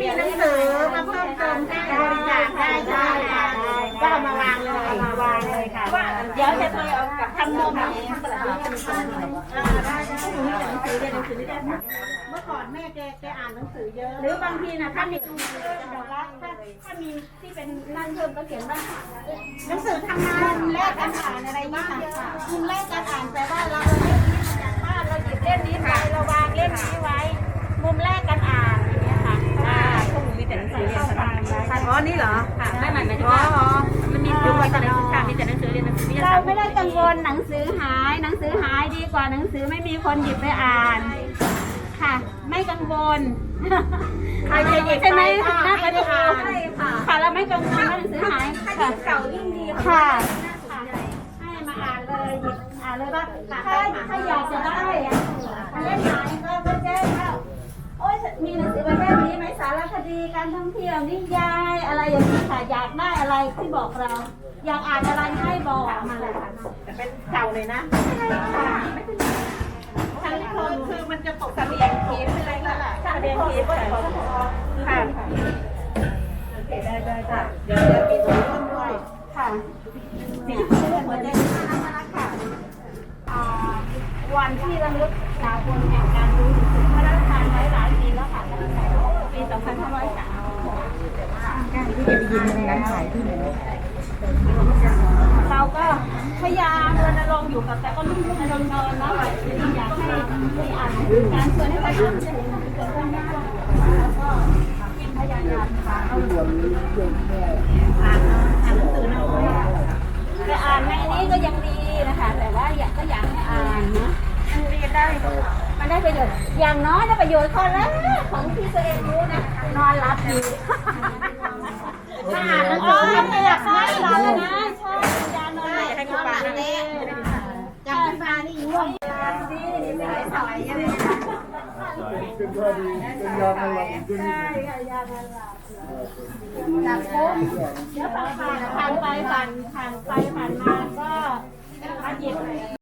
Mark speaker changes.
Speaker 1: มีหนังสือมาเพิ่มเติมได้บริจาคได้ก็เอามาวางเลยค่ะเดี๋ยวจะเคยเอากับทำนมได้หนังสือเรียนหนังสือไม่ได้ค่ะเมื่อก่อนแม่แกอ่านหนังสือเยอะหรือบางทีนะถ้ามีถ้ามีที่เป็นนั่นเพิ่มก็เขียนว่าหนังสือทำงานแลกการอ่านอะไรนี่ค่ะมุมแรกการอ่านแปลว่าเราเล่นนี้มาจากบ้านเราหยิบเล่มนี้ไปเราวางเล่มนี้ไว้มุมแรกการอ่านอย่างเงี้ยค่ะพวกหนูมีแต่หนังสือเรียนสบายอ๋อนี่เหรอค่ะไม่หมายถึงว่ามันมียุคตอนนั้นค่ะมีแต่หนังสือเรียนหนังสือวิทยาศาสตร์เราไม่ได้กังวลหนังสือหายดีกว่าหนังสือไม่มีคนหยิบไปอ่านค่ะไม่กังวลใครจะหยิบใช่ไหมน่าจะอ่านค่ะเราไม่กังวลว่าหนังสือหายค่ะเก่ายิ่งดีค่ะให้มาอ่านเลยหยิบอ่านเลยว่าถ้าอยากจะได้เล่มไหนก็แจ้งว่าโอ๊ยมีหนังสือประเภทนี้ไหมสารคดีการท่องเที่ยวนิยายอะไรอย่างนี้ค่ะอยากได้อะไรที่บอกเราอยากอ่านอะไรให้บอกมาเลยค่ะแต่เป็นเก่าเลยนะใช่ค่ะไม่เป็นทางคนคือมันจะตกเสลียงขีดอะไรนั่นแหละเสลียงขีดค่ะโอเคได้เดี๋ยวมีตัวร่วมด้วยค่ะนี่หัวใจน่ารักค่ะวันที่ระลึกสากลแห่งการรู้ถึงพระราชทานไว้หลายปีแล้วค่ะปี 2503การที่จะไปยินในการขายที่ไหนเราก็พยายามรณรงค์อยู่กับแต่ก็รุ่นรณรงค์นะอยากให้อ่านการชวนให้ประชาชนจะเห็นเกิดขึ้นได้แล้วก็พยายามอ่านหนังสือน้อยแต่อ่านในนี้ก็ยังดีนะคะแต่ว่าก็อยากให้อ่านนะมันได้ประโยชน์อย่างน้อยได้ประโยชน์ข้อแรกของที่ตัวเองรู้นะนอนหลับดีอ่านแล้วไม่อยากนอนหลับเลยนะชอบยานอนหลับให้คุณปานี่จำคุณปานี่ง่วงดีไม่ได้สอยยังไงเป็นยาเป็นยาหลับใช่ค่ะยาหลับจากปุ๊บเดี๋ยวผ่านไปผ่านมาก็มาหยิบ